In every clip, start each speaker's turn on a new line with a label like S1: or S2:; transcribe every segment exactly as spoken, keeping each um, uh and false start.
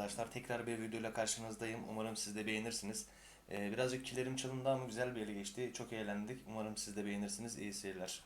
S1: arkadaşlar. Tekrar bir videoyla karşınızdayım. Umarım siz de beğenirsiniz. Ee, birazcık kilerim çalındı ama güzel bir ele geçti. Çok eğlendik. Umarım siz de beğenirsiniz. İyi seyirler.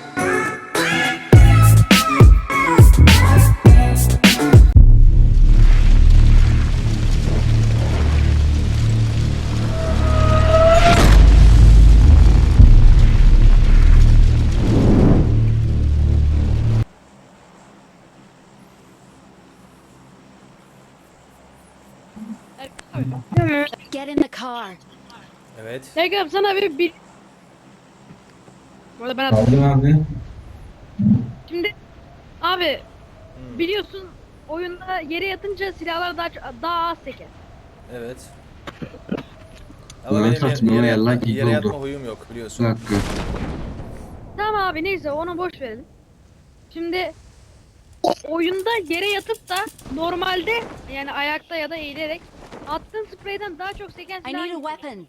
S2: Get in the car.
S1: Evet.
S3: Tekrar sana bir bir Bu arada ben
S4: Aldım abi.
S3: şimdi abi
S1: Hmm,
S3: biliyorsun oyunda yere yatınca silahlar daha çok- daha az seker.
S1: evet. Ama
S4: Ben
S1: benim
S4: saçma
S1: yere, yere,
S4: yerler
S1: yatma,
S4: gibi
S1: yere yatma
S4: oldu.
S1: huyum yok
S4: Bir
S1: biliyorsun.
S4: dakika.
S3: Tamam abi neyse onu boş verelim. Şimdi oyunda yere yatıp da normalde yani ayakta ya da eğilerek attığın spreyden daha çok seken
S2: I
S3: silah
S2: need a
S3: hangisi?
S2: weapon.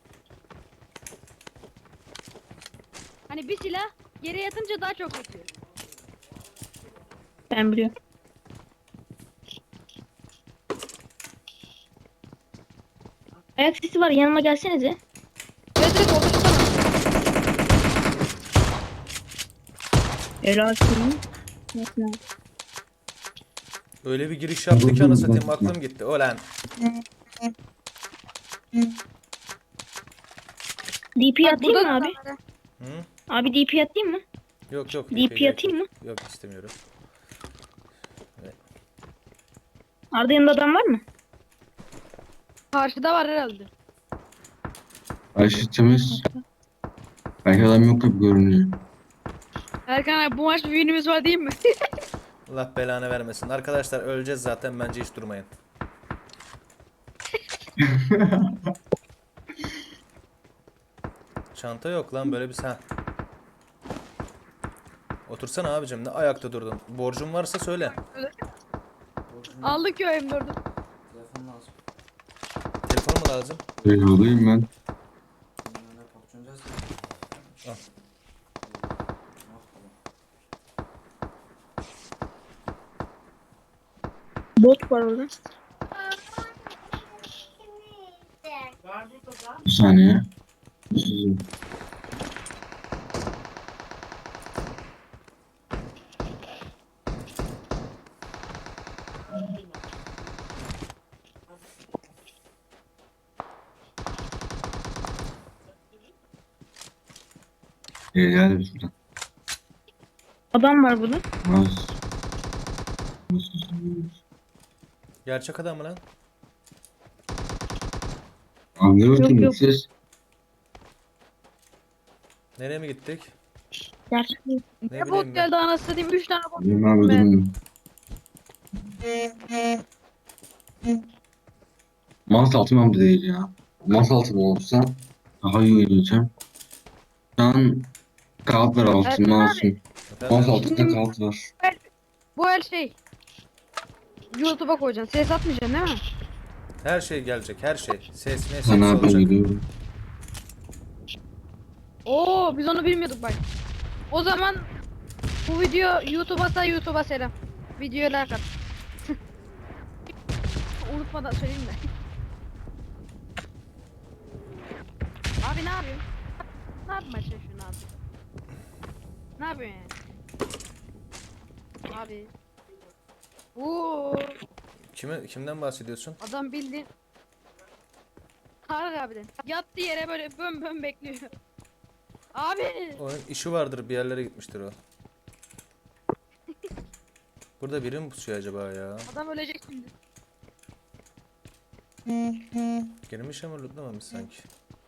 S3: Hani bir silah yere yatınca daha çok sekiyor.
S5: Ben biliyorum. Ayak sesi var, yanıma gelsenize.
S3: Evet evet orada tutamam.
S5: Helal olsun. Mesela.
S1: Öyle bir giriş yaptı ki anasını satayım aklım gitti. Ulan.
S5: D P
S3: Bak
S5: atayım
S3: burada
S5: mı
S3: da
S5: abi?
S3: kamera.
S1: Hı?
S5: Abi D P atayım mı?
S1: Yok yok.
S5: D P atayım mı?
S1: Yok istemiyorum.
S5: Arda yanında adam var mı?
S3: Karşıda var herhalde.
S4: Ayşe temiz. Belki adam yok gibi görünüyor.
S3: Erkan abi bu maç bir winimiz var değil mi?
S1: Allah belanı vermesin. Arkadaşlar öleceğiz zaten bence hiç durmayın. Çanta yok lan böyle bir sen. Otursana abicim ne ayakta durdun. Borcun varsa söyle.
S3: Aldık ya M dördü.
S1: Telefon mu lazım?
S4: Öyle olayım ben.
S1: Al.
S5: Bot var orada.
S4: Bir saniye. Sizin. Ee, geldi bir şuradan.
S5: Adam var burada.
S4: Az.
S1: Gerçek adam mı lan?
S4: Abi ne bakayım
S5: yok.
S4: siz?
S1: Nereye mi gittik?
S5: Gerçek değil.
S1: Ne
S3: Ne
S1: bileyim
S3: bot
S1: ben.
S3: geldi anasını satayım üç tane bot.
S4: Benim abi
S3: Ben-
S4: durun. Masa altı mı değil ya. Masa altı olsa daha iyi oynayacağım. Şu an kağıt var altı
S3: Erkan
S4: mouse'un.
S1: Efendim?
S4: Mouse altında kağıt var.
S3: Bu her şey. YouTube'a koyacaksın. Ses atmayacaksın değil mi?
S1: Her şey gelecek her şey. Ses mes
S4: Sana
S1: hepsi
S4: ben
S1: olacak.
S4: gidiyorum.
S3: Oo biz onu bilmiyorduk bak. O zaman bu video YouTube'a YouTube'a selam. Videoya like at. Unutmadan söyleyeyim de. Abi ne yapıyorsun? Ne yapmaya çalışıyorsun abi? Ne yapıyorsun yani? Abi. Oo,
S1: Kime, kimden bahsediyorsun?
S3: adam bildiğin Tarık abiden. Yattı yere böyle bön bön bekliyor. Abi.
S1: Onun işi vardır bir yerlere gitmiştir o. Burada biri mi pusuyor acaba ya?
S3: Adam ölecek şimdi.
S1: Girmiş ama lootlamamış sanki.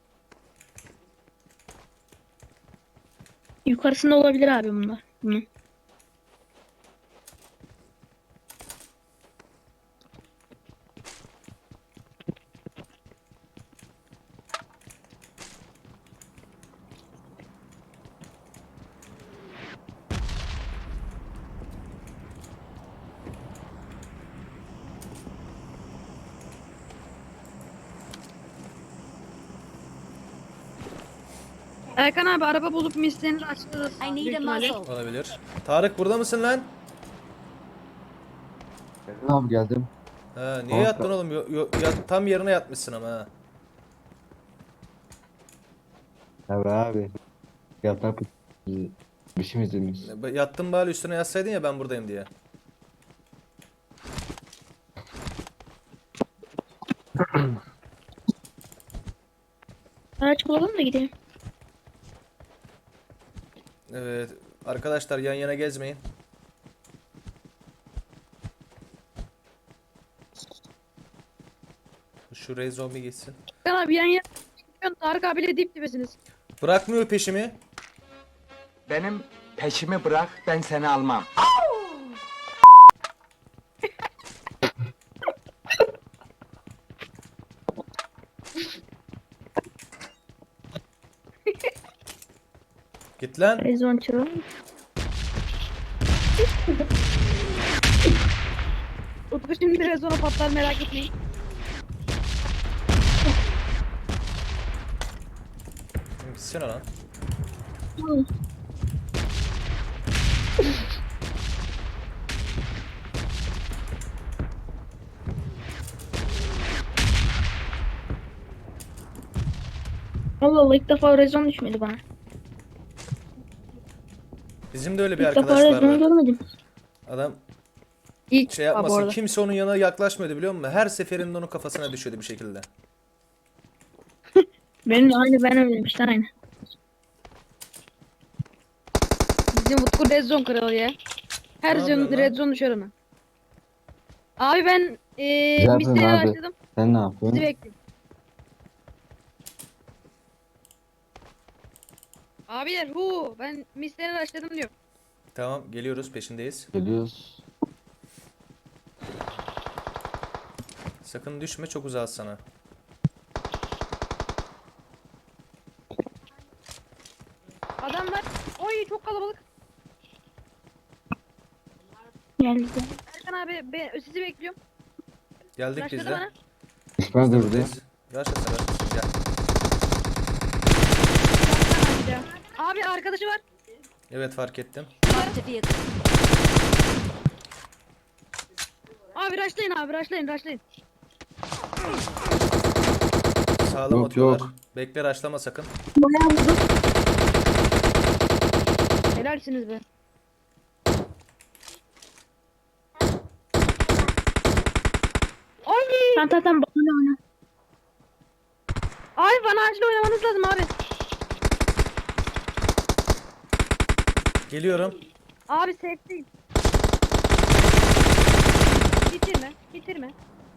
S5: Yukarısında olabilir abi bunlar. Bunun.
S3: Erkan abi araba bulup mislerini açtırırız.
S2: I need
S3: büyük
S2: a
S3: ihtimalle.
S2: muzzle.
S1: Olabilir. Tarık burada mısın lan?
S6: Abi geldim.
S1: Ha, niye
S4: Kanka.
S1: yattın oğlum? Yo- yo- ya- tam yerine yatmışsın ama ha.
S4: Tabii abi. Yatak bir şey mi izlemiş?
S1: Yattın bari üstüne yatsaydın ya ben buradayım diye.
S5: Araç bulalım da gidelim.
S1: Evet. Arkadaşlar yan yana gezmeyin. Şu Ray zombi gitsin.
S3: Erkan abi yan yana. Tarık abiyle dip dibesiniz.
S1: Bırakmıyor peşimi.
S2: Benim peşimi bırak, ben seni almam.
S1: Git lan.
S5: Rezon çalalım.
S3: Utku şimdi biraz sonra patlar merak etmeyin.
S1: Gitsene lan.
S5: Allah Allah, ilk defa rezon düşmedi bana.
S1: Bizim de öyle bir
S5: İlk defa
S1: arkadaş
S5: rezon
S1: vardı.
S5: görmedim.
S1: Adam
S3: İlk
S1: şey
S3: defa bu
S1: yapmasın.
S3: arada.
S1: Kimse onun yanına yaklaşmıyordu biliyor musun? Her seferinde onun kafasına düşüyordu bir şekilde.
S5: Benim de aynı, ben öyleyim işte, aynı.
S3: Bizim Utku red zone kralı ya. Her
S1: Ne yapıyorsun
S3: zone
S1: lan?
S3: red zone düşer ona. Abi ben eee
S4: yapıyorsun
S3: misteriye
S4: abi?
S3: başladım.
S4: Sen ne
S3: Sizi
S4: yapıyorsun?
S3: bekliyorum. Abiler hu ben misteriye başladım diyor.
S1: Tamam geliyoruz peşindeyiz.
S4: Geliyoruz.
S1: Sakın düşme çok uzağız sana.
S3: Adamlar oy çok kalabalık.
S5: Geldi.
S3: Erkan abi ben sizi bekliyorum.
S1: Geldik biz
S3: Başladı
S1: de.
S3: bana.
S4: Düşmez de burada.
S1: Buradayız. Yaşasın yaşasın gel.
S3: Yaptan aşağı. Abi arkadaşı var.
S1: Evet fark ettim.
S3: Abi rushlayın abi rushlayın rushlayın.
S1: Sağlam
S4: Yok,
S1: atıyorlar.
S4: yok.
S1: Bekle raşlama sakın.
S5: Bayağı vurdu.
S3: Helalsiniz be. Ay!
S5: Tamam tamam tamam, bana oyna.
S3: Ay bana acil oynamanız lazım abi.
S1: Geliyorum.
S3: Abi safe'deyim. Bitirme, bitirme.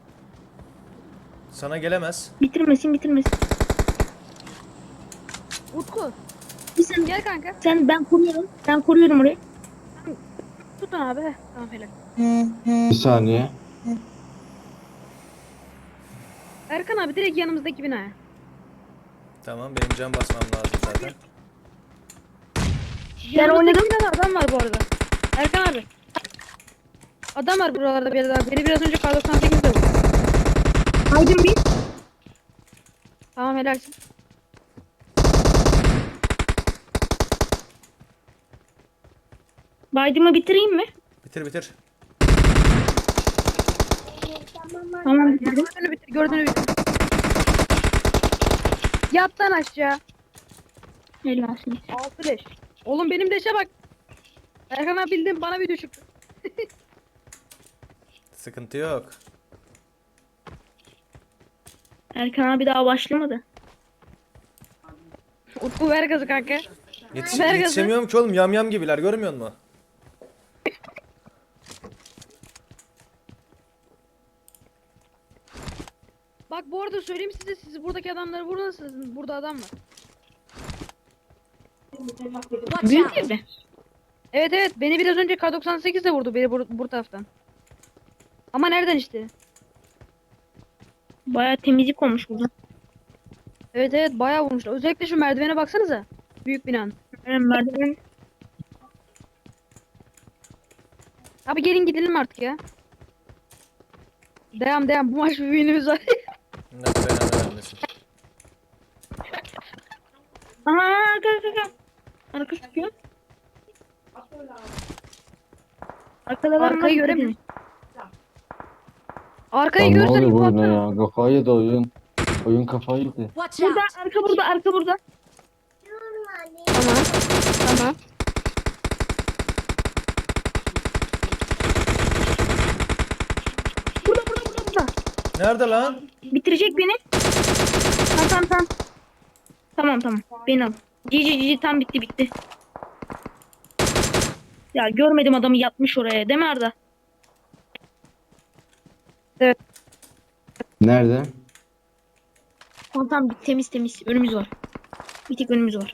S1: Sana gelemez.
S5: Bitirmesin bitirmesin.
S3: Utku,
S5: Bir sen,
S3: gel kanka.
S5: sen ben koruyorum. Ben koruyorum orayı.
S3: Tutun abi. Heh, tamam helal.
S4: Bir saniye.
S3: Erkan abi direkt yanımızdaki binaya.
S1: Tamam benim can basmam lazım zaten.
S3: Yanımızdaki
S5: oynadım.
S3: binada adam var bu arada. Erkan abi. Adam var buralarda bir yerde abi. Beni biraz önce kar doksan sekizde vurdu.
S5: Aydın bir.
S3: Tamam helalsin.
S5: Baydımı bitireyim mi?
S1: Bitir bitir.
S5: Tamam bitirdim.
S3: Gördüğünü bitir, gördüğünü bitir. Yat lan aşağı.
S5: Helalsin.
S3: Altı leş. Oğlum benim leşe bak. Erkan abi bildiğin bana video çıktı.
S1: Sıkıntı yok.
S5: Erkan abi daha başlamadı.
S3: Utku ver gazı kanka.
S1: Yetiş
S3: Ver gazı.
S1: yetişemiyorum ki oğlum yam yam gibiler görmüyor musun?
S3: Bak bu arada söyleyeyim size, siz buradaki adamları vurursanız burada adam var.
S5: Büyük evde.
S3: Evet evet beni biraz önce K doksan sekiz de vurdu beni bu, bu taraftan. Ama nereden işte?
S5: Bayağı temizlik olmuş burada.
S3: Evet evet bayağı vurmuşlar. Özellikle şu merdivene baksanıza. Büyük binanın.
S5: Yani merdiven.
S3: Abi gelin gidelim artık ya. Devam devam bu maç bir winimiz var.
S1: Ne belanı vermesin.
S5: Aha arka arka arka. Arka sıkıyor. Arkada adam var.
S3: Arkayı göremiyorum. Arkayı
S4: Ya ne
S3: görsen
S4: oluyor bu oyuna
S3: baksana.
S4: ya? Kafayı yedi oyun. Oyun kafayı yedi.
S6: Watch
S5: Burada
S6: out!
S5: arka burada arka burada. Tamam. Tamam. Burada burada burada burada.
S1: Nerede lan?
S5: Bitirecek beni. Tamam tamam tamam. Tamam tamam. Beni al. Cici cici tam bitti bitti. Ya görmedim adamı yatmış oraya değil mi Arda?
S4: Nerede?
S5: Tamam tamam bit- temiz temiz. Önümüz var. Bir tek önümüz var.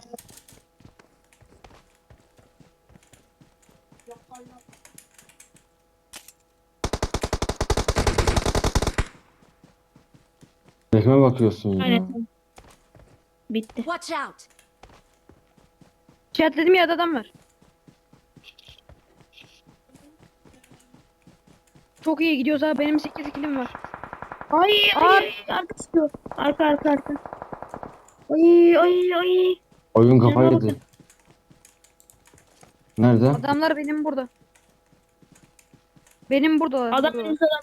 S4: Kime bakıyorsun ya?
S5: Aynen. Bitti.
S6: Watch out!
S3: İşaretledim ya adam var. Çok iyi gidiyoruz abi. Benim sekiz kilim var.
S5: Ay ay arka sıkıyor. Arka arka arka. Ay ay ay.
S4: Oyun kafayı
S5: Canıma
S4: yedi. Nerede?
S3: Adamlar benim burada. Benim burada.
S5: Adam
S3: burada.
S5: önümüzde adam.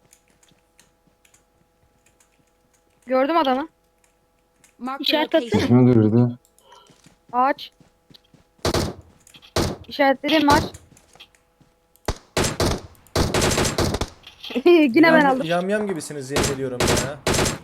S3: Gördüm adamı.
S6: Mark the
S5: İşaret atsana.
S6: location.
S4: Kime girdi?
S3: Ağaç. İşaretledim ağaç. Yine ben
S1: Yam,
S3: aldım.
S1: yam yam gibisiniz yemin ediyorum ya.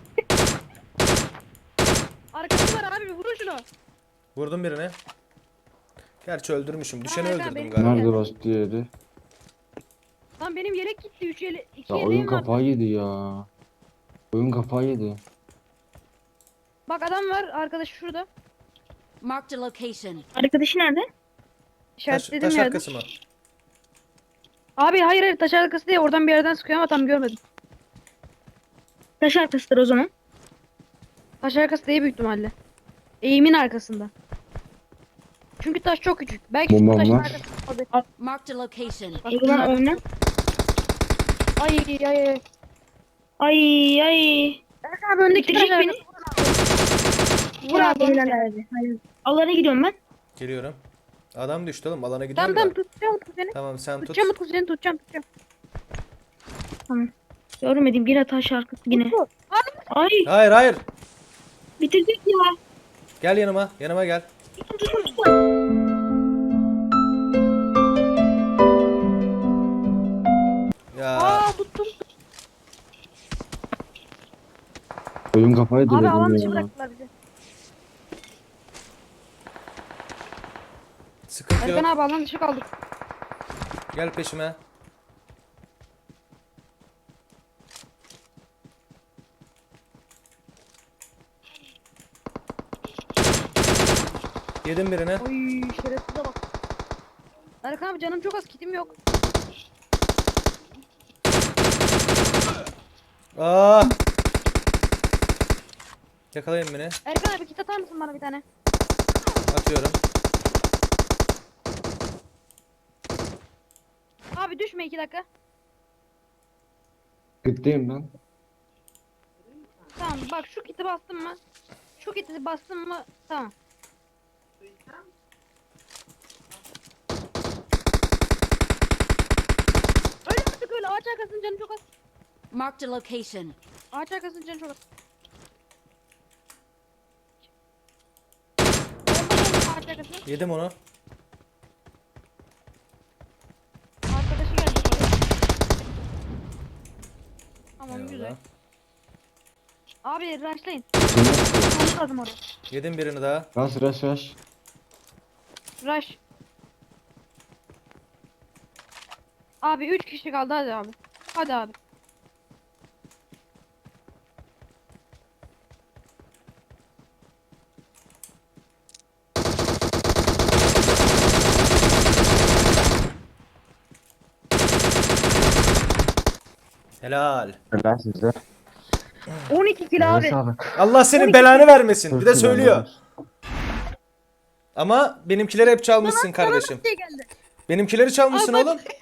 S3: Arkası var abi, vurun şunu.
S1: Vurdum birine. Gerçi öldürmüşüm. Düşeni
S3: Tamam,
S1: öldürdüm
S3: ben-
S1: galiba.
S4: Nerede başka yeri?
S3: Lan benim yelek gitti. üç yele iki
S4: Ya oyun
S3: yeleğim var.
S4: kafayı yedi ya. Oyun kafayı yedi.
S3: Bak adam var. Arkadaş şurada.
S6: Mark the location.
S5: Arkadaşı nerede?
S1: Taş,
S3: İşaretledim
S1: taş
S3: yerde.
S1: arkası mı?
S3: Abi hayır hayır, taş arkası diye oradan bir yerden sıkıyor ama tam görmedim.
S5: Taş arkasıdır o zaman.
S3: Taş arkası değil büyük ihtimalle. Eğimin arkasında. Çünkü taş çok küçük. Belki şu
S4: Bombam
S3: taşın
S4: var.
S3: arkasında. Abi,
S6: Mark the location.
S3: bak,
S5: O zaman oyna.
S3: Ay ay ay.
S5: Ay ay.
S3: Erkan abi öndeki taş
S5: Bitirecek beni.
S3: arkası.
S5: Vur abi helal abi. Hayır. Alana gidiyorum ben.
S1: Geliyorum. Adam düştü oğlum. Alana
S3: Tamam
S1: gidiyorum
S3: tamam,
S1: da.
S3: tutacağım Utku seni.
S1: Tamam sen tut.
S3: Tutacağım Utku seni, tutacağım tutacağım.
S5: Görmedim yine taş arkası yine.
S3: Utku. Abi,
S5: Ay
S1: Hayır hayır.
S5: bitirecek ya.
S1: Gel yanıma. Yanıma gel.
S5: Tutun tutun tutun.
S1: Ya
S3: aa tuttum.
S4: Oyun kafayı yedi
S3: Abi
S4: dedim
S3: alan dışı
S4: ya.
S3: bıraktılar bizi.
S1: sıkıntı
S3: Erkan
S1: yok.
S3: abi alan dışı kaldık.
S1: Gel peşime. Yedim birini.
S3: Oy şerefsize bak. Erkan abi canım çok az, kitim yok.
S1: Aa! Yakalayın beni.
S3: Erkan abi kit atar mısın bana bir tane?
S1: Atıyorum.
S3: Abi düşme iki dakika.
S4: Gitteyim ben.
S3: Tamam bak, şu kiti bastım mı? Şu kiti bastım mı? Tamam. Öyle artık öyle. Ağaç arkasının canı çok az.
S6: Mark the location.
S3: Ağaç arkasının canı çok az. Bomba geldi ağaç arkasına.
S1: Yedim onu.
S3: Arkadaşı geldi oraya. Tamam
S1: Eyvallah.
S3: güzel. Abi rushlayın.
S4: Şimdi
S3: Olmamız lazım oraya.
S1: Yedim birini daha.
S4: Rush rush rush.
S3: Rush. Abi üç kişi kaldı, hadi abi. Hadi abi.
S1: Helal.
S4: Helal size.
S3: on iki kilo
S4: Eline
S3: abi.
S4: sağlık.
S1: Allah senin
S3: on iki
S1: belanı vermesin. Bir de
S4: Çok
S1: söylüyor.
S4: güzel.
S1: Ama benimkileri hep çalmışsın kardeşim.
S3: Şey geldi.
S1: Benimkileri çalmışsın
S3: Abi bak-
S1: oğlum.